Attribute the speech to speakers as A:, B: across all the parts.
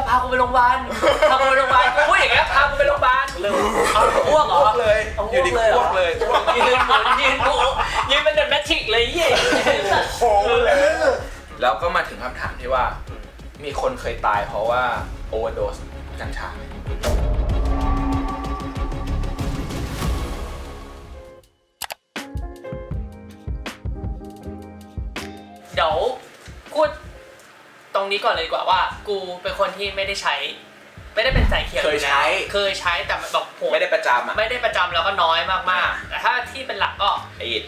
A: พากูไปโรงพยาบาลพากูไปโรงพยาบาลกูพูดอย่างเงี้ยพากูไปโรงพยาบาลเอาอ้วกเหรอ
B: เลยอยู่ดีอ้วกเลย
A: ยืนเหมือนยืนเป็นเดอะแมทริกเลยยี่
B: โอ้เลยแล้วก็มาถึงคำถามที่ว่ามีคนเคยตายเพราะว่าโอเวอร์โดสกัญชา
A: เดี๋ยวพูดตรงนี้ก่อนเลยดีกว่าว่ากูเป็นคนที่ไม่ได้ใช้ไม่ได้เป็นสายเขียวเคยใช้แต่แบบผม
B: ไม่ได้ประจำอ่ะ
A: ไม่ได้ประจำแล้วก็น้อยมากๆแต่ถ้าที่เป็นหลักก็
B: ไอ้อิด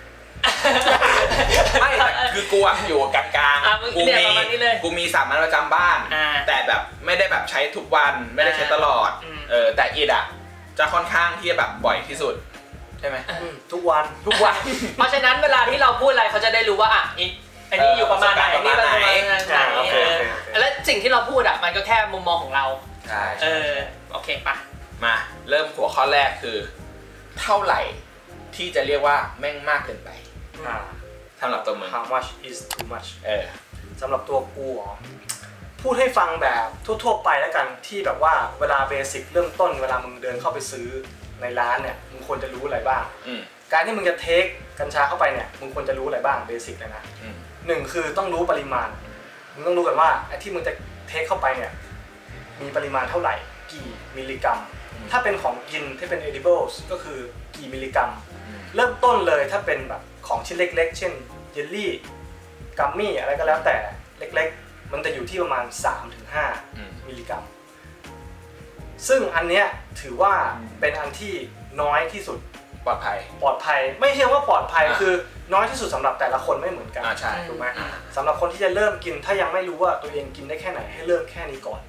B: ไม่แต่คือกูอ่ะอยู่กลางๆกูมีสามัญประจำบ้านแต่แบบไม่ได้แบบใช้ทุกวันไม่ได้ใช้ตลอดแต่อิดอ่ะจะค่อนข้างที่จะแบบบ่อยที่สุดใช่ไหม
C: ทุกวัน
A: เพราะฉะนั้นเวลาที่เราพูดอะไรเขาจะได้รู้ว่าอ่ะอันนี้อยู่ประมาณไหนนี่ประมาณไหนแล้วสิ่งที่เราพูดอ่ะมันก็แค่มุมมองของเรา
B: ใช่
A: โอเคปะ
B: มาเริ่มหัวข้อแรกคือเท่าไหร่ที่จะเรียกว่าแม่งมากเกินไปสำหรับตัวมึง
C: How much is too much
B: ส
C: ำหรับตัวกูพูดให้ฟังแบบทั่วๆไปแล้วกันที่แบบว่าเวลาเบสิกเริ่มต้นเวลามึงเดินเข้าไปซื้อในร้านเนี่ยมึงควรจะรู้อะไรบ้างการที่มึงจะเทคกัญชาเข้าไปเนี่ยมึงควรจะรู้อะไรบ้างเบสิกเลยนะหนึ่งคือต้องรู้ปริมาณมึงต้องรู้กันว่าไอ้ที่มึงจะเทคเข้าไปเนี่ยมีปริมาณเท่าไหร่กี่มิลลิกรัมถ้าเป็นของกินที่เป็น edibles ก็คือกี่มิลลิกรัมเริ่มต้นเลยถ้าเป็นแบบของชิ้นเล็กๆเช่นเยลลี่กัมมี่อะไรก็แล้วแต่เล็กๆมันจะอยู่ที่ประมาณ 3-5 มิลลิกรัมซึ่งอันเนี้ยถือว่าเป็นอันที่น้อยที่สุด
B: ปลอดภัย
C: ไม่ใช่ว่าปลอดภัยคือน้อยที่สุดสำหรับแต่ละคนไม่เหมือนกัน
B: ใช่
C: ถูกไหมสำหรับคนที่จะเริ่มกินถ้ายังไม่รู้ว่าตัวเองกินได้แค่ไหนให้เริ่มแค่นี้ก่อน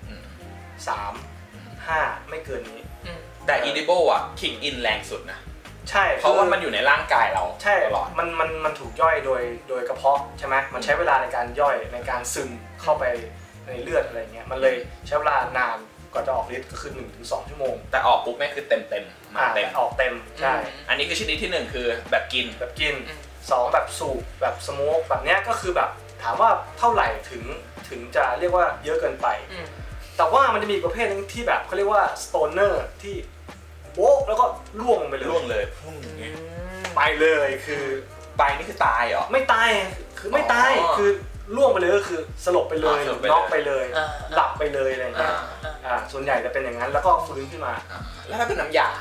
C: 3-5 ไม่เกินนี้
B: แต่ edible อ่ะ kick in แรงสุดนะ
C: ใช่
B: เพราะว่ามันอยู่ในร่างกายเรา
C: ใช่ตลอดมันถูกย่อยโดยกระเพาะใช่ไหมมันใช้เวลาในการย่อยในการซึมเข้าไปในเลือดอะไรเงี้ยมันเลยใช้เวลานานกว่าจะออกฤทธิ์ก็คือ 1-2 ชั่วโมง
B: แต่ออกปุ๊บแม่คือเต็ม
C: มาเต็มออกเต็มใช่
B: อันนี้คือชนิดที่1คือแบบกิน
C: 2แบบสูบแบบสโมกแบบเนี้ยก็คือแบบถามว่าเท่าไหร่ถึงจะเรียกว่าเยอะเกินไปแต่ว่ามันจะมีประเภทนึงที่แบบเขาเรียกว่าสโตนเนอร์ที่โบ๊ะแล้วก็ล่วงไปเลยไปเลยคือ
B: ไปนี่คือตายเหรอ
C: ไม่ตายคือไม่ตายคือล่วงไปเลยก็คือสลบไปเลยน็อกไปเลยหลับไปเลยอะไรอย่างเงี้ยส่วนใหญ่จะเป็นอย่างนั้นแล้วก็ฟื้นขึ้นมา
B: แล้วถ้าเป็นน้ำยา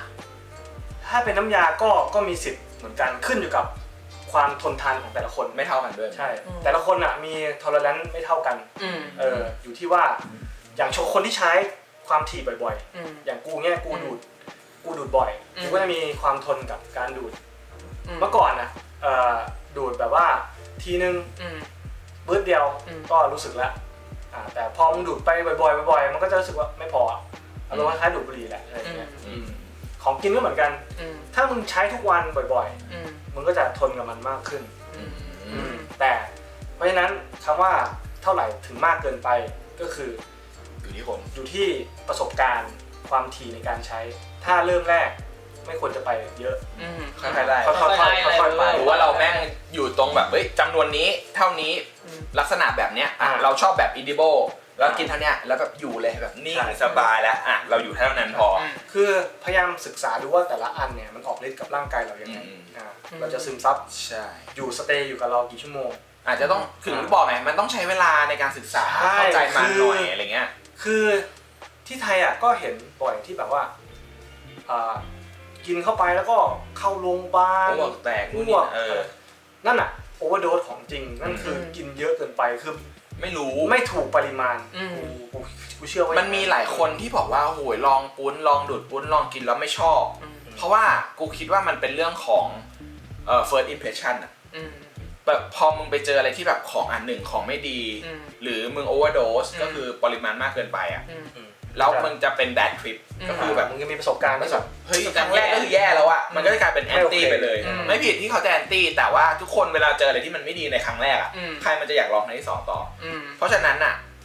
C: ก็มีสิทธิ์เหมือนกันขึ้นอยู่กับความทนทานของแต่ละคน
B: ไม่เท่ากันด้วย
C: ใช่แต่ละคนอ่ะมีทอเลอเรนซ์ไม่เท่ากันอยู่ที่ว่าอย่างคนที่ใช้ความถี่บ่อยๆอย่างกูเนี่ยกูดูดบ่อยกูก็จะมีความทนกับการดูดเมื่อก่อนนะดูดแบบว่าทีนึงบึ้ดเดียวก็รู้สึกแล้วแต่พอมึงดูดไปบ่อยๆมันก็จะรู้สึกว่าไม่พออารมณ์คล้ายๆดูดบุหรี่แหละอะไรเงี้ยของกินก็เหมือนกันถ้ามึงใช้ทุกวันบ่อยๆมึงก็จะทนกับมันมากขึ้นแต่เพราะฉะนั้นคำว่าเท่าไหร่ถึงมากเกินไปก็คืออยู่ที่ประสบการณ์ความถี่ในการใช้ถ้าเริ่มแรกไม่ควรจะไปเยอะ
B: ค่อยๆไปหรือว่าเราแม่งอยู่ตรงแบบจำนวนนี้เท่านี้ลักษณะแบบเนี้ยเราชอบแบบ edible แล้วกินเท่านี้แล้วแบบอยู่เลยแบบนิ่งสบายแล้วเราอยู่เท่านั้นพอ
C: คือพยายามศึกษาดูว่าแต่ละอันเนี่ยมันออกฤทธิ์กับร่างกายเรายังไงเราจะซึมซับอยู่สเตย์อยู่กับเรากี่ชั่วโมง
B: อาจจะต้องถึงบอกไงมันต้องใช้เวลาในการศึกษาเข้าใจมันหน่อยอะไรเงี้ย
C: คือที่ไทยก็เห็นบ่อยที่แบบว่ากินเข้าไปแล้วก็เข้าโรงพยาบาล
B: อ้วกแตก
C: นั่นอ่ะโอเวอร์โดสของจริงนั่นคือกินเยอะเกินไปคือไม่ถูกปริมาณกูเชื่อว่า
B: มันมีหลายคนที่บอกว่าโหยลองปุ้นลองดูดปุ้นลองกินแล้วไม่ชอบเพราะว่ากูคิดว่ามันเป็นเรื่องของfirst impression อ่ะแบบพอมึงไปเจออะไรที่แบบของอันหนึ่งของไม่ดีหรือมึงโอเวอร์โดสก็คือปริมาณมากเกินไปอ่ะแล้วมึงจะเป็น bad trip ก็คือแบบ
C: มึงจะมีประสบการณ์ที่แบบ
B: เฮ้ยครั้งแรกก็คือแย่แล้วอะมันก็จะกลายเป็นแอนตี้ไปเลยไม่ผิดที่เขาจะแอนตี้แต่ว่าทุกคนเวลาเจออะไรที่มันไม่ดีในครั้งแรกอะใครมันจะอยากลองครั้งที่2ต่อเพราะฉะนั้นอะ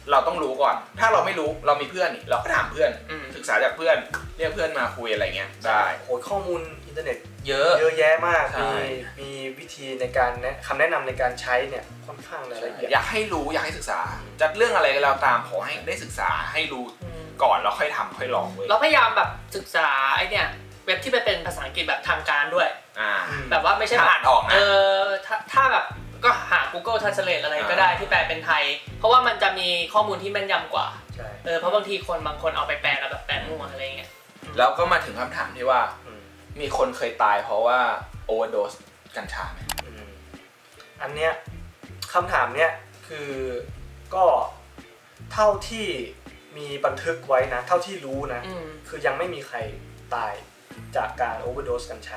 B: เราต้องรู้ก่อน ถ้าเราไม่รู้เรามีเพื่อนนี่เราก็ถามเพื่อนศึกษาจากเพื่อนเรียกเพื่อนมาคุยอะไรเงี้ยได้
C: โหข้อมูลอินเทอร์เน็ต
B: เยอะ
C: แยะมากมีวิธีในการคำแนะนำในการใช้เนี่ยค่อนข้างละเอียด
B: อยากให้รู้อยากให้ศึกษาจัดเรื่องอะไรก็แล้วตามขอให้ได้ศึกษาให้รู้ก่อนแล้วค่อยทำค่อยลองเว้ย
A: เราพยายามแบบศึกษาไอเนี่ยเว็บที่เป็นภาษาอังกฤษแบบทางการด้วยแบบว่าไม่ใช่
B: อ่านออกนะ
A: ถ้าแบบก็หา Google Translate อะไรก็ได้ที่แปลเป็นไทยเพราะว่ามันจะมีข้อมูลที่แม่นยำกว่าเพราะบางทีบางคนเอาไปแปลแล้วแบบแปลมั่วอะไรเงี้ย
B: แล้วก็มาถึงคำถามที่ว่ามีคนเคยตายเพราะว่าโอเวอร์โดสกัญชาไหม
C: อันเนี้ยคำถามเนี้ยคือก็เท่าที่มีบันทึกไว้นะเท่าที่รู้นะคือยังไม่มีใครตายจากการโอเวอร์โดสกัญชา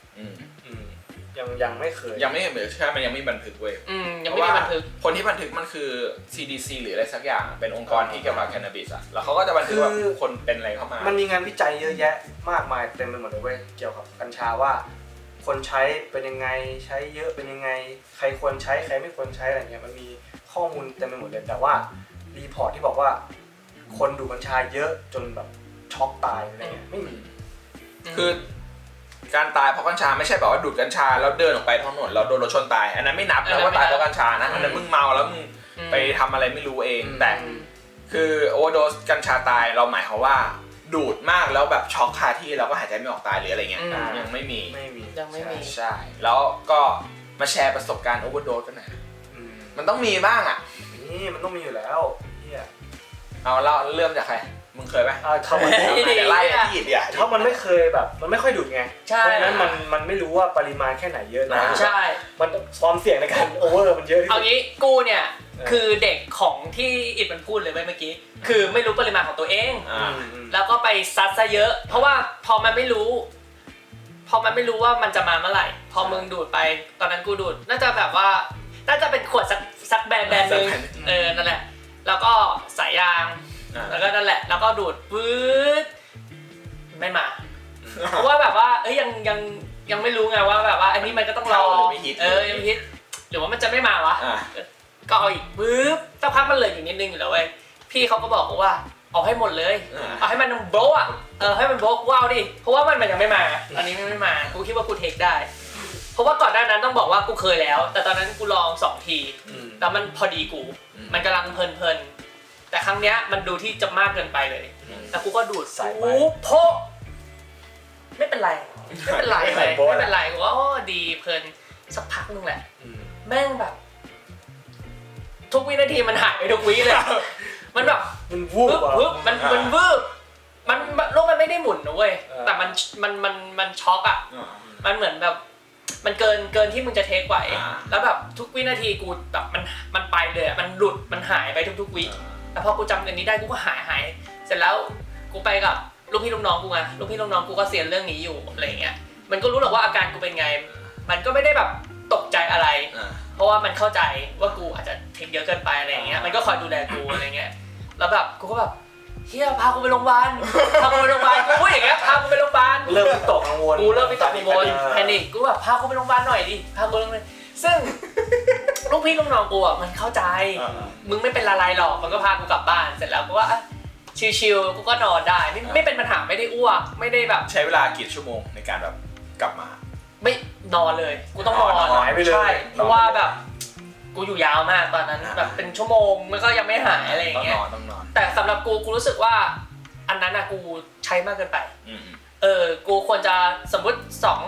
C: ยังไม่เคย
B: ยังไม่เหมือนใช่มันยังไม่บันทึกเว้ย
A: ยังไม่มีบันทึก
B: คนที่บันทึกมันคือ CDC หรืออะไรสักอย่างเป็นองค์กรที่เกี่ยวกับแคนนาบิสอะแล้วเขาก็จะบันทึกว่าคนเป็นอะไรเข้ามา
C: มันมีงานวิจัยเยอะแยะมากมายเต็มไปหมดเลยเว้ยเกี่ยวกับกัญชาว่าคนใช้เป็นยังไงใช้เยอะเป็นยังไงใครควรใช้ใครไม่ควรใช้อะไรเงี้ยมันมีข้อมูลเต็มไปหมดเลยแต่ว่ารีพอร์ตที่บอกว่าคนดูดกัญชาเยอะจนแบบช็อกตายอะไรเงี้ยไม่มี
B: คือการตายเพราะกัญชาไม่ใช่แบบว่าดูดกัญชาแล้วเดินออกไปท้องถนนแล้วโดนรถชนตายอันนั้นไม่นับนะว่าตายเพราะกัญชานะอันนั้นมึงเมาแล้วมึงไปทำอะไรไม่รู้เองแต่คือโอเวอร์โดสกัญชาตายเราหมายความว่าดูดมากแล้วแบบช็อกคาที่แล้วก็หายใจไม่ออกตายหรืออะไรเงี้ยยังไม่มี
A: ยังไม่มี
B: ใช่แล้วก็มาแชร์ประสบการณ์โอเวอร์โดสกันหน่อยมันต้องมีบ้างอ่ะ
C: นี่มันต้องมีอยู่แล้ว
B: เอาเล่าเริ่มจากใครมึงเคยไหม
C: ถ้ามัน
B: ไล่ที่เดียว
C: ถ้ามันไม่เคยแบบมันไม่ค่อยดูดไงเพราะฉะนั้นมันไม่รู้ว่าปริมาณแค่ไหนเยอะนะ
A: ใช่
C: มันความเสี่ยงในการโอเวอร์มันเยอะที่สุด
A: เอางี้กูเนี่ยคือเด็กของที่อิดมันพูดเลยเมื่อกี้คือไม่รู้ปริมาณของตัวเองแล้วก็ไปซัดซะเยอะเพราะว่าพอมันไม่รู้ว่ามันจะมาเมื่อไหร่พอมึงดูดไปตอนนั้นกูดูดน่าจะแบบว่าน่าจะเป็นขวดสักแบรนด์นึงนั่นแหละแล้วก็สายยางแล้วก็นั่นแหละแล้วก็ดูดปื๊ดไม่มาเพราะว่าแบบว่ายังไม่รู้ไงว่าแบบว่าอันนี้มันก็ต้องรอยังไม่ฮิตหรือว่ามันจะไม่มาวะก็เอาอีกปื๊บสักพักมันเหลืออยู่นิดนึงอยู่แล้วเว้ยพี่เขาก็บอกว่าเอาให้หมดเลยเอาให้มันโบะให้มันโบะว้าวดิเพราะว่ามันยังไม่มาอันนี้ไม่มากูคิดว่ากูเทคได้เพราะว่าก่อนหน้านั้นต้องบอกว่ากูเคยแล้วแต่ตอนนั้นกูลอง2 ทีแล้วมันพอดีกูมันกำลังเพลินแต่ครั้งเนี้ยมันดูที่จะมากเกินไปเลยแล้วกูก็ดูดโพไม่เป็นไรกูว่าดีเพลินสักพักนึงแหละแม่งแบบทุกวินาทีมันหายไปทุกวิเลยมันแบบ
C: มันวูบ
A: มันวืบมันโลกมันไม่ได้หมุนนะเว้ยแต่มันช็อกอ่ะมันเหมือนแบบมันเกินที่มึงจะเทคไหวแล้วแบบทุกวินาทีกูแบบมันไปเลยมันหลุดมันหายไปทุกวิแต่พอกูจำอันนี้ได้กูก็หายเสร็จแล้วกูไปกับลูกพี่ลูกน้องกูไงลูกพี่ลูกน้องกูก็เซียนเรื่องนี้อยู่อะไรเงี้ยมันก็รู้หรอกว่าอาการกูเป็นไงมันก็ไม่ได้แบบตกใจอะไรเพราะว่ามันเข้าใจว่ากูอาจจะเทคเยอะเกินไปอะไรเงี้ยมันก็คอยดูแลกูอะไรเงี้ยแล้วแบบกูก็แบบเฮียพากูไปโรงพยาบาลกูพูดอย่างเงี้ยพากูไปโรงพยาบาล
C: เริ่มวิตกกังวล
A: กูเริ่มวิตกกังวลแพนิคกูแบบพากูไปโรงพยาบาลหน่อยดิพากูไปโรงพยาบาลซึ่งลูกพี่ลูกน้องกูอ่ะมันเข้าใจมึงไม่เป็นอะไรหรอกมันก็พากูกลับบ้านเสร็จแล้วกูว่าชิลๆกูก็นอนได้ไม่เป็นปัญหาไม่ได้อ้วกไม่ได้แบบ
B: ใช้เวลากี่ชั่วโมงในการแบบกลับมา
A: ไม่นอนเลยกูต้องนอนใช่เพราะว่าแบบกูอยู่ยาวมากตอนนั้นแบบเป็นชั่วโมงมันก็ยังไม่หายอะไรอย่างเงี้ย
B: ต้องนอน
A: แต่สำหรับกูรู้สึกว่าอันนั้นอะกูใช้มากเกินไปกูควรจะสมมติ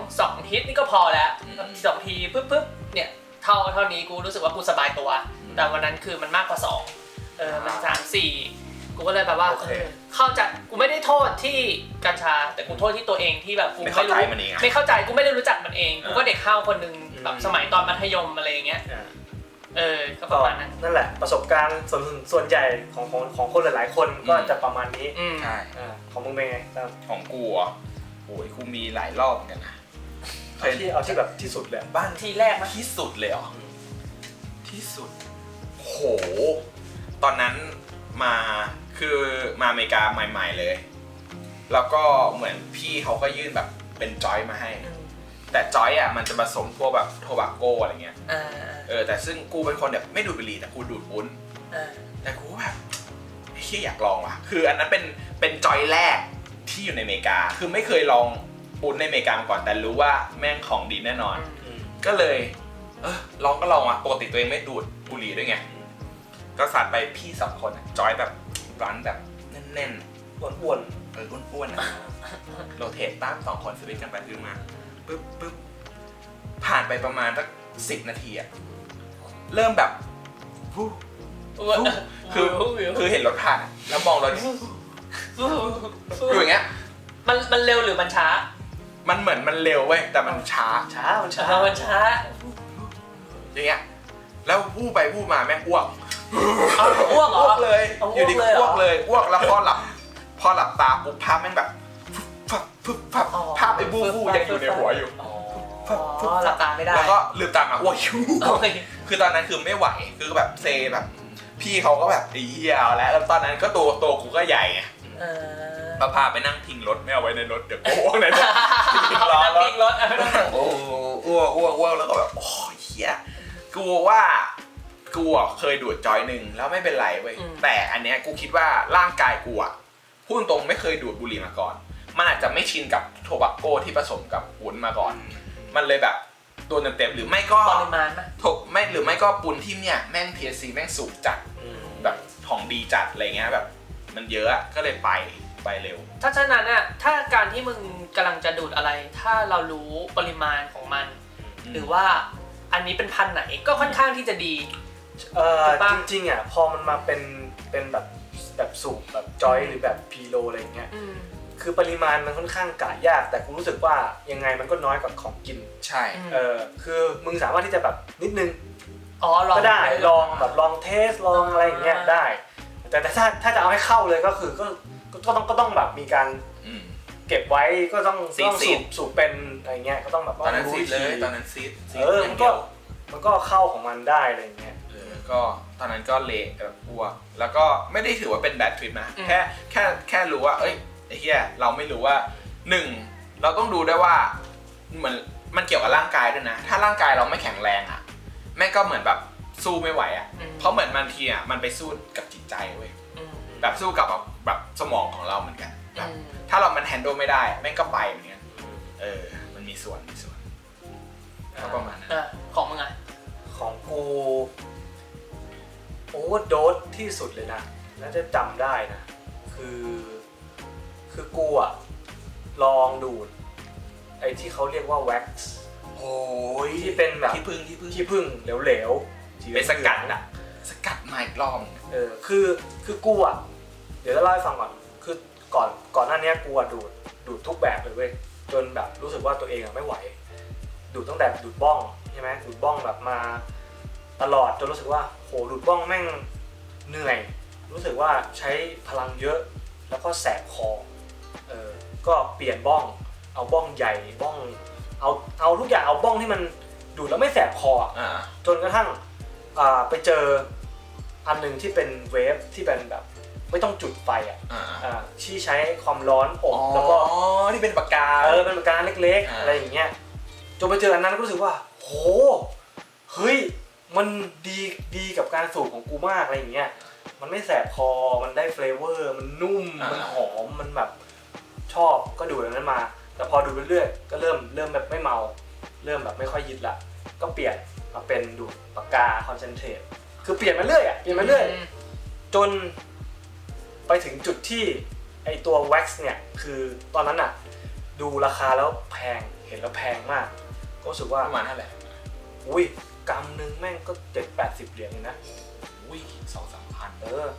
A: 2ฮิตนี่ก็พอแล้ว2 ทีปึ๊บเนี่ยเท่านี้กูรู้สึกว่ากูสบายตัวแต่วันนั้นคือมันมากกว่า2มัน3-4กูก็เลยแบบว่าเข้าใจกูไม่ได้โทษที่กัญชาแต่กูโทษที่ตัวเองที่แบบกูไม่รู้ไม่เข้าใจกูไม่ได้รู้จักมันเองกูก็เด็กห้าวคนนึงแบบสมัยตอนมัธยมอะไรอย่างเงี้ยก็ประมาณนั้น
C: นั่นแหละประสบการณ์ส่วนใหญ่ของคนหลายๆคนก็จะประมาณนี้
B: ใช่
C: ของมึงเป็นไง
B: ของกูอ่ะโอ้ยกูมีหลายรอบเหมือนกันนะ
C: เอาที่แบบที่สุดเลย
A: บ้านที่แรกมั้ย
B: ที่สุดเลยเหรอที่สุดโหตอนนั้นมาอเมริกาใหม่ๆเลยแล้วก็เหมือนพี่เขาก็ยื่นแบบเป็นจอยมาให้แต่จอยอ่ะมันจะผสมพวกแบบโทบาโก้อะไรเงี้ยแต่ซึ่งกูเป็นคนแบบไม่ดูดบุหรี่แต่กูดูดวุ้นแต่กูแบบไอ้เหี้ยอยากลองว่ะคืออันนั้นเป็นจอยแรกที่อยู่ในอเมริกาคือไม่เคยลองปุ้นในอเมริกามาก่อนแต่รู้ว่าแม่งของดีแน่นอนก็เลยลองก็ลองอ่ะปกติตัวเองไม่ดูดบุหรี่ด้วยไงก็สัตว์ไปพี่2 คนจอยแบบร้านแบบแน่นๆ
C: อ้วน
B: อ้วนโรเทตตั้ง2 คนสวิตช์กันไปขึ้นมาปึ๊บผ่านไปประมาณสัก10 นาทีอะเริ่มแบบคือเห็นรถผ่านแล้วมองรถอยู่อย่างเงี้ย
A: มันเร็วหรือมันช้า
B: มันเหมือนมันเร็วเว้ยแต่มันช้าอย่างเงี้ยแล้ววู้ไปวู้มาแม่งอ้วกเลยอยู่ดีอ้วกเลยอ้วกแล้วพอหลับตาปุ๊บภาพแม่งแบบภาพไอ้บู้ยังอยู่ในหัวอยู่
A: หลับตาไม่ได้
B: แล้วก็ลืมตามาอ้วกคือตอนนั้นคือไม่ไหวคือแบบเซแบบพี่เขาก็แบบไอ้เหี้ยแล้วตอนนั้นก็ตัวกูก็ใหญ่ไงพาไปนั่งทิ้งรถไม่เอาไว้ในรถเดี๋ยวกูอ้วกในรถทิ้งรถอ้วกแล้วก็แบบโอ้ยเหี้ยกูเคยดูดจอยหนึ่งแล้วไม่เป็นไรเว้ยแต่อันเนี้ยกูคิดว่าร่างกายกูพูดตรงไม่เคยดูดบุหรี่มาก่อนมันอาจจะไม่ชินกับโทบักโกที่ผสมกับปุ้นมาก่อนมันเลยแบบโดนเต็มหรือไม่ก็
A: ปริมาณ
B: ไม่หรือไม่ก็ปุ้นที่เนี่ยแม่ง THC แม่งสูงจัดแบบของดีจัดอะไรเงี้ยแบบมันเยอะก็เลยไปเร็ว
A: ถ้าฉะนั้นน่ะถ้าการที่มึงกำลังจะดูดอะไรถ้าเรารู้ปริมาณของมันหรือว่าอันนี้เป็นพันไหนก็ค่อนข้างที่จะดี
C: จริงๆอ่ะพอมันมาเป็นแบบสูบแบบจอยหรือแบบพีโลอะไรอย่างเงี้ยคือปริมาณมันค่อนข้างกะยากแต่กูรู้สึกว่ายังไงมันก็น้อยกว่าของกิน
B: ใช่
C: คือมึงสามารถที่จะแบบนิดนึง
A: ก็
C: ได้ลองแบบลองเทสลองอะไรอย่างเงี้ยได้แต่ถ้าจะเอาให้เข้าเลยก็คือก็ต้องแบบมีการเก็บไว้ก็ต้องสูบเป็นอะไรเงี้ยก็ต้องแบบ
B: ตอนนั้นซีดเลยตอนนั้นซีด
C: มันก็เข้าของมันได้อะไรเงี้ย
B: ก็ตอนนั้นก็เละแบบอ้วกแล้วก็ไม่ได้ถือว่าเป็นแบดทริปนะแค่รู้ว่าเอ้ยไอ้เหี้ยเราไม่รู้ว่า1เราต้องดูได้ว่าเหมือนมันเกี่ยวกับร่างกายด้วยนะถ้าร่างกายเราไม่แข็งแรงอ่ะแม่งก็เหมือนแบบสู้ไม่ไหวอ่ะเพราะเหมือนบางทีอ่ะมันไปสู้กับจิตใจเว้ยแบบสู้กับแบบสมองของเราเหมือนกันแบบถ้าเรามันแฮนด์ลไม่ได้แม่งก็ไปเหมือนกันมันมีส่วนก็ประมาณนั้น
A: ของมึงอ่ะ
C: ของกูโอเวอร์โดสที่สุดเลยนะน่าจะจำได้นะคือกูอ่ะลองดูดไอ้ที่เขาเรียกว่าแว็กซ์
B: โอ้ย
C: ที่เป็นแบบ
B: ที่
C: พึ่งเหลวๆ
B: เป็นสกัดอ่ะสกัดไมค์ล้อม
C: คือกูอ่ะเดี๋ยวจะเล่าให้ฟังก่อนคือก่อนหน้านี้กูอ่ะดูดทุกแบบเลยเว้ยจนแบบรู้สึกว่าตัวเองอ่ะไม่ไหวดูดตั้งแต่ดูดบ้องใช่ไหมดูดบ้องแบบมาตลอดจนรู้สึกว่าโหดูดบ้องแม่งเหนื่อยรู้สึกว่าใช้พลังเยอะแล้วก็แสบคอก็เปลี่ยนบ้องเอาบ้องใหญ่บ้องเอาทุกอย่างเอาบ้องที่มันดูดแล้วไม่แสบคอจนกระทั่งไปเจออันหนึ่งที่เป็นเวฟที่เป็นแบบไม่ต้องจุดไฟที่ใช้ความร้อนอบแล้วก็
B: ที่เป็นปากกา
C: เป็นปากกาเล็กๆอะไรอย่างเงี้ยจนไปเจออันนั้นก็รู้สึกว่าโหเฮ้ยมันดีกับการสูบของกูมากอะไรอย่างเงี้ยมันไม่แสบคอมันได้เฟลเวอร์มันนุ่มมันหอมมันแบบชอบก็ดูดอันนั้นมาแต่พอดูเรื่อยๆก็เริ่มแบบไม่เมาเริ่มแบบไม่ค่อยยึดละก็เปลี่ยนมาเป็นดูดปากกาคอนเซนเทรตคือเปลี่ยนมาเรื่อยจนไปถึงจุดที่ไอตัวแว็กซ์เนี่ยคือตอนนั้นอ่ะดูราคาแล้วแพงเห็นแล้วแพงมากก็รู้สึกว่า
B: ประมาณเท่าไหร่
C: อุ้ยกรัมนึงแม่งก็7-80 เหรียญเลยนะ
B: อุ้ย 2-3 พัน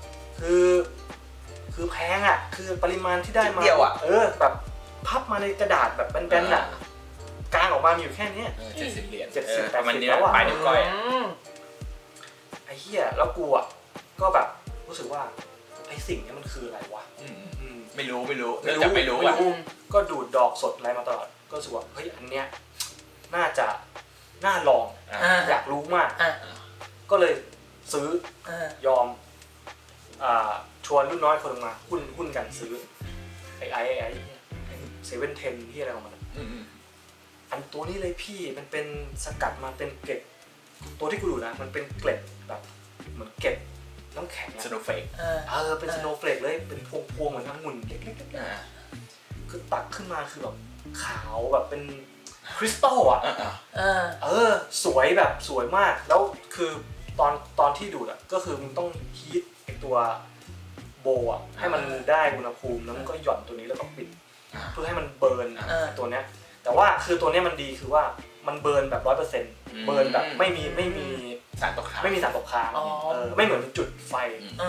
C: คือแพงอ่ะคือปริมาณที่ได้มา
B: เดียวอ่ะ
C: แบบพับมาในกระดาษแบบแบนๆอ่ะกางออกมาอยู่แค่นี้
B: 70 เหรียญ
C: ประมาณ
B: นี้แล้วอ่ะปลายนิ้วก้อย
C: ไอ้เหี้ยแล้วกูอ่ะก็แบบรู้สึกว่าไอ้สิ่งนี้มันคืออะไรวะ
B: ไม่รู้เนื่องจากไม่รู้อ่ะ
C: ก็ดูดดอกสดอะไรมาตลอดก็รู้สึกว่าเฮ้ยอันเนี้ยน่าลองอยากรู้มากก็เลยซื้อยอมชวนรุ่นน้อยคนนึงมาหุ้นกันซื้อไอ้7-10ที่อะไรของมันอันตัวนี้เลยพี่มันเป็นสกัดมาเป็นเกล็ดตัวที่กูดูนะมันเป็นเกล็ดแบบเหมือนเกล็ดน้ำแข็ง
B: สโนว์เฟลก
C: เป็นสโนว์เฟลกเลยเป็นพวงๆเหมือนองุ่นเล็กๆคือตักขึ้นมาคือแบบขาวแบบเป็นคริสตัลอ่ะสวยแบบสวยมากแล้วคือตอนที่ดูดอ่ะก็คือมึงต้องฮีทไอตัวโบอ่ะให้มันได้อุณหภูมิแล้วมันก็หย่อนตัวนี้แล้วก็ปิดเพื่อให้มันเบิร์นตัวเนี้ยแต่ว่าคือตัวเนี้ยมันดีคือว่ามันเบิร์นแบบ 100% เบิร์นแบบไม่มี
B: สารตกค้าง
C: ไม่เหมือนจุดไฟ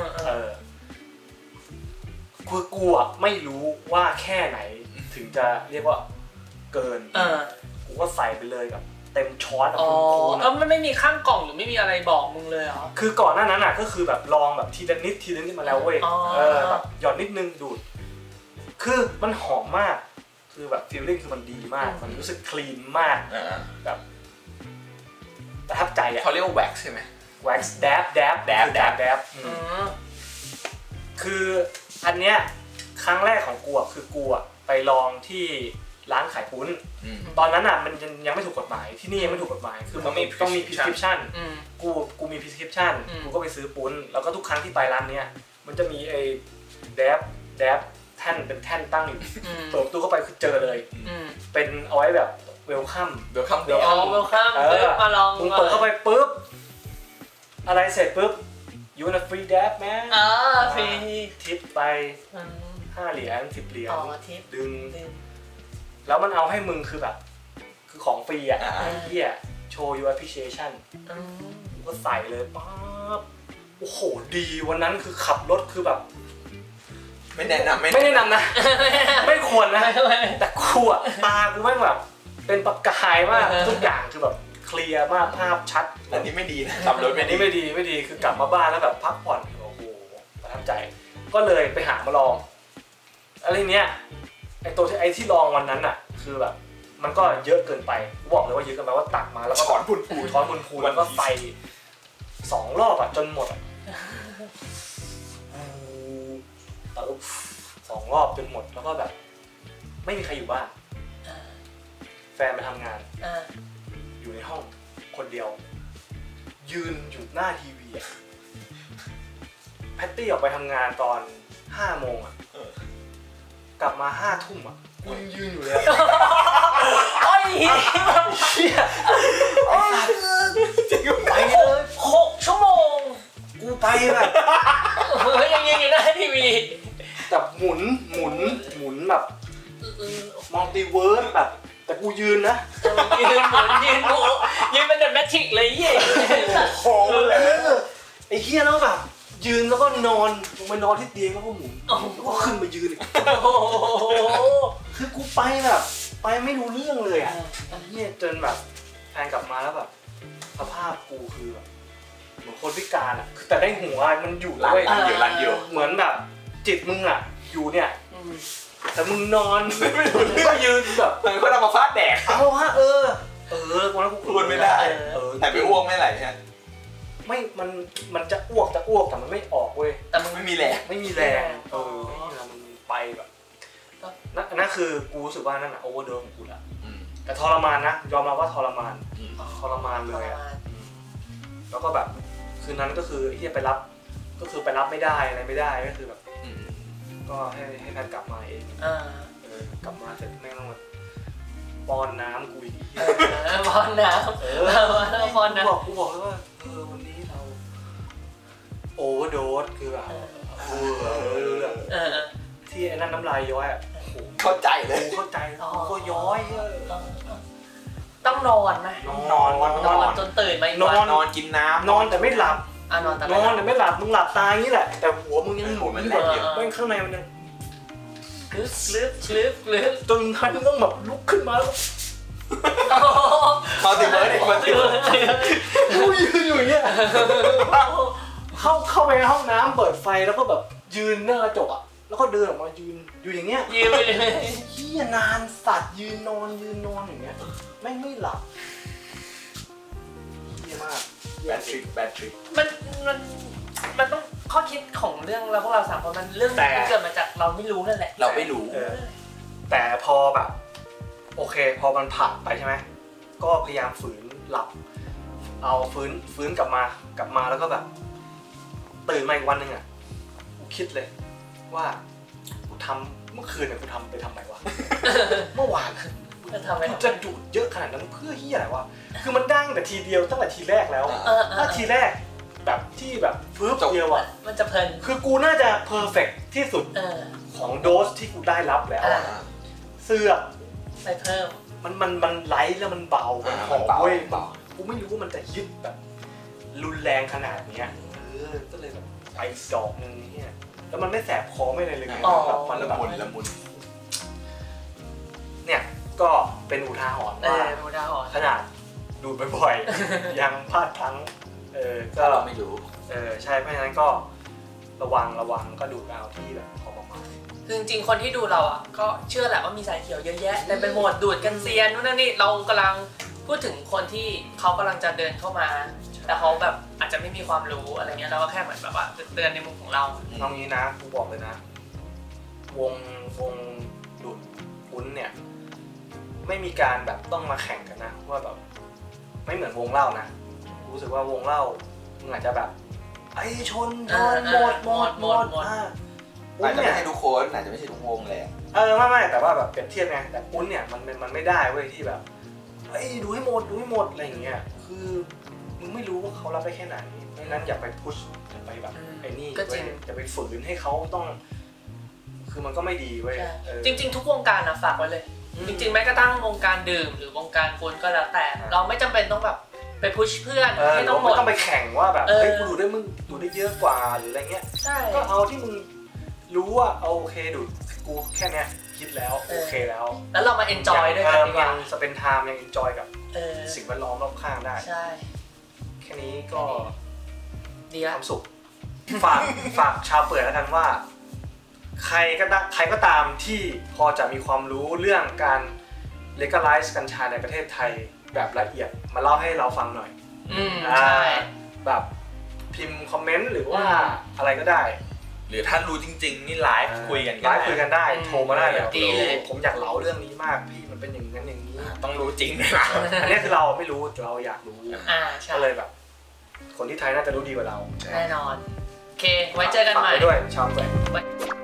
C: คือกูอ่ะไม่รู้ว่าแค่ไหนถึงจะเรียกว่าเกินกูก็ใส่ไปเลยแบบเต็มช้อนคูณ
A: แล้วมันไม่มีข้างกล่องหรือไม่มีอะไรบอกมึงเลยเหรอ
C: คือก่อนหน้านั้นอ่ะก็คือแบบลองแบบทีละนิดมาแล้วเว้ยแบบหย่อนนิดนึงดูดคือมันหอมมากคือแบบฟีลลิ่งคือมันดีมากมันรู้สึกคลีนมากแบบประทับใจอ่ะ
B: เขาเรียกว่าแว็กซ์ใช่ไหม
C: แว็กซ์แดบคืออันเนี้ยครั้งแรกของกูอ่ะคือกูอ่ะไปลองที่ร้านขายปุ้นตอนนั้นอ่ะมันยังไม่ถูกกฎหมายที่นี่ยังไม่ถูกกฎหมายคือต้องมี prescription กูมี prescription กูก็ไปซื้อปุ้นแล้วก็ทุกครั้งที่ไปร้านเนี้ยมันจะมีไอ้แดบแท่นเป็นแท่นตั้งอยู่เปิดประตูเข้าไปคือเจอเลยเป็นเอาไว้แบบเวลคัม
A: มาลอง
C: มึงเปิดเข้าไปปุ๊บอะไรเสร็จปุ๊บ you want a free dab man
A: ฟรี
C: ทิปไป5 เหรียญ10 เหรียญดึง
D: แล้วมันเอาให้มึงคือแบบคือของฟรีอ่ะเฮียโชว์ your appreciation กูก็ใส่เลยป๊าบโอ้โหดีวันนั้นคือขับรถคือแบบ
B: ไม่แนะนำ
D: นะ ไม่ควรนะแต่กูอ่ะตากูแม่งแบบเป็นประกายมากทุกอย่างคือแบบเคลียร์มากภาพชัด
B: อันนี้ไม่ดีนะขับรถไม่
D: ดีคือกลับมาบ้านแล้วแบบพักผ่อนโอ้โหประทับใจก็เลยไปหามาลองอะไรเนี้ยไอที่ลองวันนั้นอ่ะคือแบบมันก็เยอะเกินไปบอกเลยว่าเยอะเกินไปว่าตักมาแล้วก็
B: ช้อนพูน
D: แล้วก็ใส่2 รอบอ่ะจนหมดอ่ะ2 รอบจนหมดแล้วก็แบบไม่มีใครอยู่บ้านแฟนไปทำงานอยู่ในห้องคนเดียวยืนอยู่หน้าทีวีอ่ะแพตตี้ออกไปทำงานตอน5 โมงอ่ะกลับมา5 ทุ่มอ่ะกูยังยืนอยู่เลย
A: โอ้ย
D: เชี่ย
A: ไปเลย6 ชั่วโมง
D: กูไปแบบ
A: ยังยืนอยู่หน้าทีวี
D: แต่หมุนแบบมัลติเวิร์สแบบแต่กูยืนนะ
A: ยืนเป็นแบบแมทริกเลยเหี้ย
D: โอ้โหไอ้เหี้ยแล้วแบบยืนแล้วก็นอนลงไปนอนที่เตียงแล้วก็หมุนแล้วก็ขึ้นมายืนอีกคือกูไปแบบไปไม่รู้เรื่องเลยอ่ะเหี้ยจนแบบแฟนกลับมาแล้วแบบสภาพกูคือแบบเหมือนคนพิการอ่ะแต่ได้หัวมันอยู่ด้วย
B: รันอยู่
D: เหมือนแบบจิตมึงอ่ะอยู่เนี่ยแต่มึงนอนไม่ก็ยืนแบบ
B: เหมือนคนเอามาฟาดแดก
D: เอาฮะวันนั้นกู
B: พูดไม่ได้แต่ไปอ้วกไม่ไหลฮะ
D: ไม่มันจะอ้วกแต่มันไม่ออกเว้ย
B: แต่มันไม่มีแรง
D: มันไปแบบนั่นคือกูรู้สึกว่านั่นอะโอเวอร์โดสของกูละแต่ทรมานนะยอมรับว่าทรมานเลยอะแล้วก็แบบคืนนั้นก็คือที่จะไปรับก็คือไปรับไม่ได้อะไรไม่ได้ก็คือแบบก็ให้แพทย์กลับมาเองกลับมาเสร็จแม่งต้องแบบป้อนน้ำกูอีก
A: ป้อนน้ำป้อนน้
D: ำกูบอกเลยว่าวันนี้เราโอเวอร์โดสคือแบบที่ไอ้นั่นน้ำลายย้อยอ่ะ
B: เข้าใจเลย
D: กูเข้าใจก็ย้อย
A: ต้องนอนไหม
D: นอน
A: จนตื่นไหม
B: นอนกินน้ำ
D: นอนแต่ไม่หลับ
A: นอนแต่
D: ไม่หลับมึงหลับตาอย่างนี้แหละแต่หัวมึงยังหมุนแบบไม่ข้างในมันยัง
A: ลึก
D: จนท่านต้องแบบลุกขึ้นมาแล้ว
B: เขาติดเลย
D: กูยืนอยู่อย่างเงี้ยเข้าไปในห้องน้ำเปิดไฟแล้วก็แบบยืนหน้ากระจกอ่ะแล้วก็เดินออกมายืนอยู่อย่างเงี้ย
A: ยืนไปเลย
D: เหี้ยนานสัตว์ยืนนอนอย่างเงี้ยไม่หลับเหี้ยมาก
B: แบตทริก
A: มันต้องข้อคิดของเรื่องเราพวกเรา3 คนมันเรื่องที่เกิดมาจากเราไม่รู้นั่นแหละ
B: เราไม่รู้
D: แต่พอแบบโอเคพอมันผ่านไปใช่ไหมก็พยายามฝืนหลับเอาฟื้นกลับมาแล้วก็แบบ
C: ตื่นมาอีกวันหนึ่งอ่ะกูคิดเลยว่ากูทำเมื่อคืนเนี่ยกูทำไปทำไมวะ เมื่อวาน
A: จะทำไม
C: กูจะดูดเยอะขนาดนั้นเพื่อเหี้ยอะไรวะคือมันได้แต่ทีเดียวตั้งแต่ทีแรกแล้วถ้าทีแรกแบบที่แบบฟึบเดียวอ่ะ
A: มันจะเพลิน
C: คือกูน่าจะเพอร์เฟกต์ที่สุดของโดสที่กูได้รับแล้วอะเสื้อ
A: ไปเพิ่ม
C: มันไลท์แล้วมันเบามันหอมเว้ยกูไม่รู้ว่ามันจะยึดแบบรุนแรงขนาดเนี้ยก็เลยแบบไปดอกนึงเนี่ยแล้วมันไม่แสบคอไม่อะไรเลยแบบมัน
B: ละ
C: แบบ
B: มุนละมุน
C: เนี่ยก็เป็นอุทาหรณ์ว่า
A: ดูดาวอ่อน
C: ขนาดดูดบ่อยๆ ยังพลาดพลั้งก็
B: เราไม่รู้
C: ใช่เพราะฉะนั้นก็ระวังก็ดูดเอาที่แบบพอประมาณ
A: คือจริงๆคนที่ดูเราอ่ะก็เชื่อแหละว่ามีสายเขียวเยอะแยะแต่ไปหมดดูดกันเซียนนู่นนั่นนี่เรากำลังพูดถึงคนที่เขากำลังจะเดินเข้ามาแต่เขาแบบอาจจะไม่มีความรู้อะไรเงี้ยเราก็แค่เหมือนแบบว่าเตือนในมุมของเรา
C: เอางี้นะกูบอกเลยนะวงดูดปุ้นเนี่ยไม่มีการแบบต้องมาแข่งกันนะว่าแบบไม่เหมือนวงเล่านะรู้สึกว่าวงเล่ามึงอาจจะแบบไอ้ชนหมด
B: อาจจะไม่ใช่ทุกคนอาจจะไม่ใช่ทุกวงแหละ
C: ไม่แต่ว่าแบบเปรียบเทียบไงแต่ปุ้นเนี่ยมันไม่ได้เว้ยที่แบบไอ้ดูให้หมดอะไรอย่างเงี้ยคือมึงไม่รู้ว่าเขารับได้แค่ไหนเพราะฉะนั้นอย่าไปพุชอย่าไปแบบไอ้นี่อย่าไปฝืนให้เขาต้องคือมันก็ไม่ดีเว้ย
A: จริงๆทุกวงการนะฝากไว้เลยจริงๆแม้กระทั่งวงการดื่มหรือวงการปุ้นก็แล้วแต่เราไม่จำเป็นต้องแบบไปพุชเพื่อนให้ต้องหมด
C: ไม่ต้องไปแข่งว่าแบบเฮ้ยกูดูได้มึงดูได้เยอะกว่าหรืออะไรเงี้ย
A: ใช่
C: ก็เอาที่มึงรู้ว่าโอเคดูกูแค่เนี้ยคิดแล้วโอเคแล้ว
A: แล้วเรามาเอนจอยด้วยกันดีกว่า
C: ยังสเปนไทม์ยังเอนจอยกับสิ่งแวดล้อมรอบข้างได้
A: ใช่
C: แค่นี้ก็
A: ดี
C: ค
A: ละ
C: วามสุขฝากชาวเปิดแล้วกันว่าใครก็ตามที่พอจะมีความรู้เรื่องการ legalize กัญชาในประเทศไทยแบบละเอียดมาเล่าให้เราฟังหน่อย
A: ใช่
C: แบบพิมพ์คอมเมนต์หรือว่าอะไรก็ได้
B: หรือถ้ารู้จริงๆนี่ไลฟ์คุยกัน
C: ไลฟ์คุยกันได้โทรมาได้แบบ
A: ดีเลย
C: ผมอยากเล่าเรื่องนี้มากพี่มันเป็นอย่างนั้นอย่างนี้
B: ต้องรู้จริงด้วยนะ
C: อันนี้คือเราไม่รู้เราอยากรู้
A: ใช่
C: ก็เลยแบบ คนที่ไทยน่าจะรู้ดีกว่าเรา
A: แน่นอนโอเคไว้เจอกันใหม่
C: ฝากไว้ด้วยชาวแฝง
A: ไว้